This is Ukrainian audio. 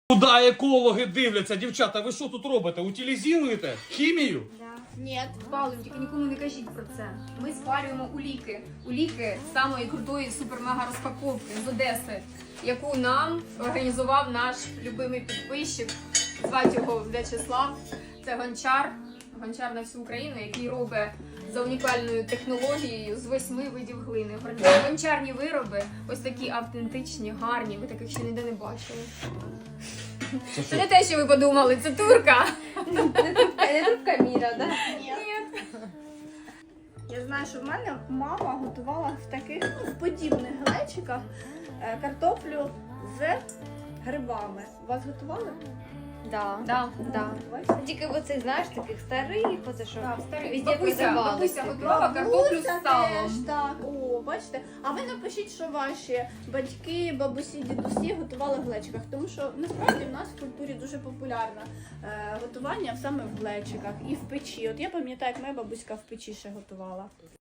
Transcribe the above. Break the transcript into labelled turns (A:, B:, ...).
A: Куди екологи дивляться, дівчата, ви що тут робите? Утилізуєте? Хімію?
B: Ні, спалюємо, тільки нікому не кажіть про це. Ми спалюємо уліки. Уліки самої крутої супер-мега розпаковки з Одеси, яку нам організував наш любимий підписчик. Звати його В'ячеслав. Це гончар на всю Україну, який робить за унікальною технологією з 8 видів глини. Гончарні вироби, ось такі автентичні, гарні, ви таких ще ніде не бачили. Це не те, що ви подумали, це турка.
C: Не трубка Міра, да?
B: Ні.
C: Я знаю, що в мене мама готувала в таких, в подібних глечиках картоплю з грибами. Вас готували?
B: Да.
C: Бачите?
D: Тільки оцих, знаєш, таких старих, оце що
B: Так, старий.
D: везде
B: Бабуся готувала картоплю з
C: Бабуся
B: салом.
C: теж, так, о, бачите. А ви напишіть, що ваші батьки, бабусі, дідусі готували в глечиках. Тому що насправді в нас в культурі дуже популярне готування саме в глечиках і в печі. От я пам'ятаю, як моя бабуська в печі ще готувала.